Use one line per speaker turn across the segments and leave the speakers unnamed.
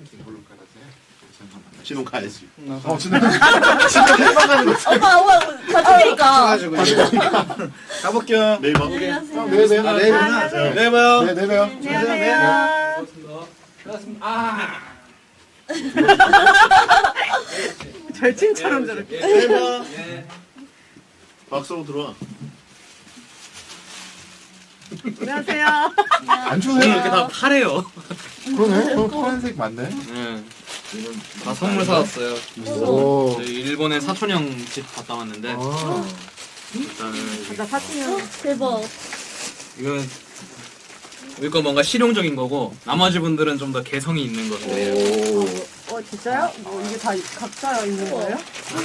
신혼 가야지.
진짜 해방하는 거.
오빠 가족이니까.
가볼게요.
내일 봐.
안녕하세요.
내일 봬요.
내일
내일 봐요.
네,
내일 봬요.
안녕하세요.
절친처럼 저렇게.
내일 봐.
박수로 들어와.
안녕하세요.
안 추워요?
이렇게 다 파래요.
그러네. 파란색 맞네.
네. 다 선물 사왔어요.
오.
저희 일본의 사촌 형 집 갔다 왔는데
아.
일단은
나 사진이요.
대박.
이건 이거 뭔가 실용적인 거고 나머지 분들은 좀 더 개성이 있는 거예요.
진짜요? 뭐 이게 다 각자 있는 거예요?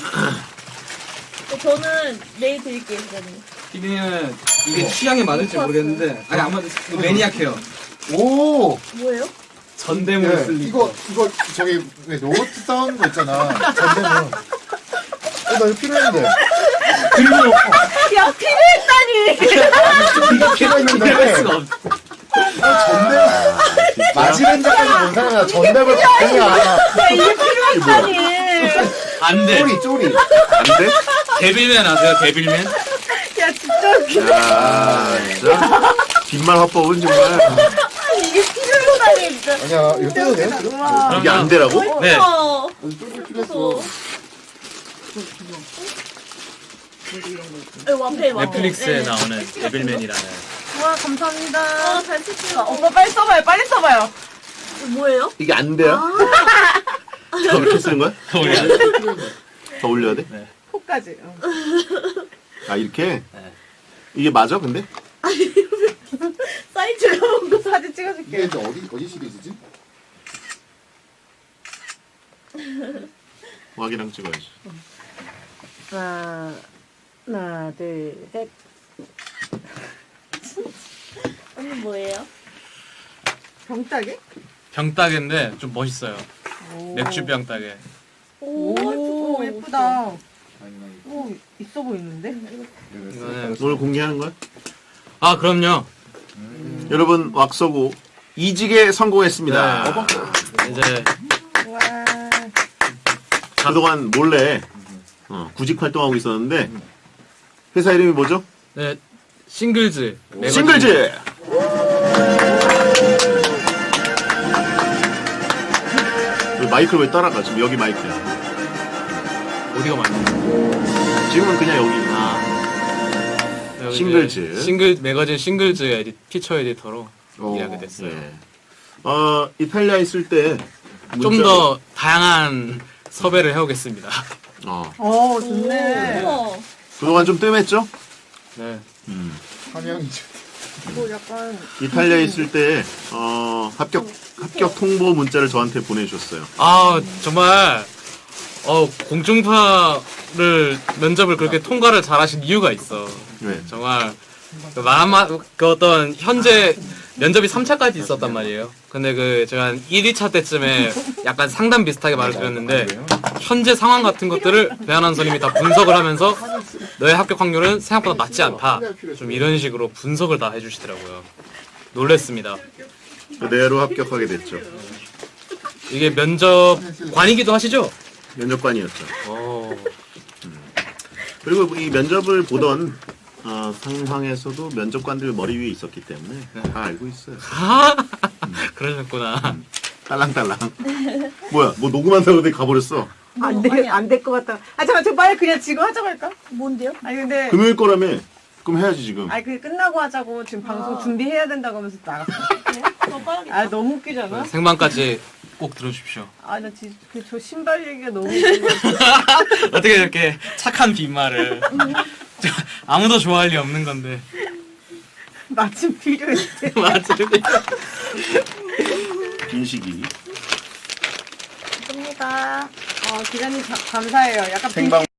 저는 내일 드릴게요, 그거는.
피디는 이게 취향에 맞을지 모르겠는데 아니 안 맞을 매니악해요.
오.
뭐예요?
전대물
네,
슬리퍼.
이거 저기 왜 로봇 싸우는 거 있잖아. 전대문. 나 이거 필요했는데.
그리고
야, 필요했다니!
이거 필요했는데.
이럴 수가 없.
전대문. 마지렌자까지 본 사람이야. 전대문 바꾸냐.
야, 이게 필요했다니!
안 돼.
쪼리.
안 돼?
데빌맨 아세요? 데빌맨?
야 진짜 웃겨.
야, 진짜. 빈말 화법은 정말.
이게 필요했다니, 진짜.
아니야, 이거 떼도 돼? 지금?
우와.
이게 안 되라고?
네.
어.
쪼리 필요했어.
와페,
넷플릭스에 나오는 데빌맨이라는.
우와 감사합니다.
잘 찍힌다.
오빠 빨리 써봐요. 빨리 써봐요.
뭐예요?
이게 안 돼요? 더 이렇게 쓰는 거야?
더 올려.
더 올려야 돼?
코까지.
아, 이렇게?
네.
이게 맞아, 근데?
사이즈가 뭔가.
사진
이게
찍어줄게.
이제 어디 시리즈지?
와기랑 찍어야지.
하나 둘 셋.
언니 뭐예요?
병따개?
병따개인데 좀 멋있어요. 맥주 병따개.
오 예쁘다. 오 있어 보이는데?
이거는
오늘 공개하는 거야?
아 그럼요.
여러분, 왁서고 이직에 성공했습니다.
네. 이제
와.
그동안 몰래 구직 활동하고 있었는데 회사 이름이 뭐죠?
네, 싱글즈. 매거진.
싱글즈! 왜 마이크를 왜 따라가? 지금 여기 마이크야.
어디가 맞나?
지금은 그냥 여기.
여기
싱글즈.
이제 싱글 매거진 싱글즈 피처 에디터로
오,
일하게 됐어요.
네. 이탈리아 있을 때
좀 더 다양한 섭외를 해오겠습니다.
좋네.
우와.
그동안 좀 뜸했죠?
네.
한양이지.
뭐 약간
이탈리아에 있을 때 합격 통보 문자를 저한테 보내주셨어요.
아 정말 공중파를 면접을 그렇게 통과를 잘하신 이유가 있어.
네.
정말 그 어떤 현재 면접이 3차까지 있었단 말이에요. 근데 제가 한 1, 2차 때쯤에 약간 상담 비슷하게 말을 드렸는데 현재 상황 같은 것들을 배한한 선생님이 다 분석을 하면서 너의 합격 확률은 생각보다 낮지 않다. 좀 이런 식으로 분석을 다 해주시더라고요. 놀랬습니다.
그대로 합격하게 됐죠.
이게 면접관이기도 하시죠?
면접관이었죠. 그리고 이 면접을 보던 상황에서도 면접관들 머리 위에 있었기 때문에 다 알고 있어요.
그러셨구나.
딸랑딸랑. 뭐야? 뭐 녹음한다고 근데 가버렸어.
안될 것 같다. 잠깐 저 빨리 그냥 지금 하자고 할까?
뭔데요?
아니 근데
금요일 거라며. 그럼 해야지 지금.
아니 그 끝나고 하자고 지금 방송 준비해야 된다고 하면서 나갔어. 아 너무 웃기잖아.
생방까지 꼭 들어주십시오.
아나 진짜 저 신발 얘기가 너무 웃긴 거
어떻게 이렇게 착한 빈말을. 아무도 좋아할 리 없는 건데.
마침 필요했대.
맞지?
빈식이.
감사합니다.
기자님 감사해요. 약간
생방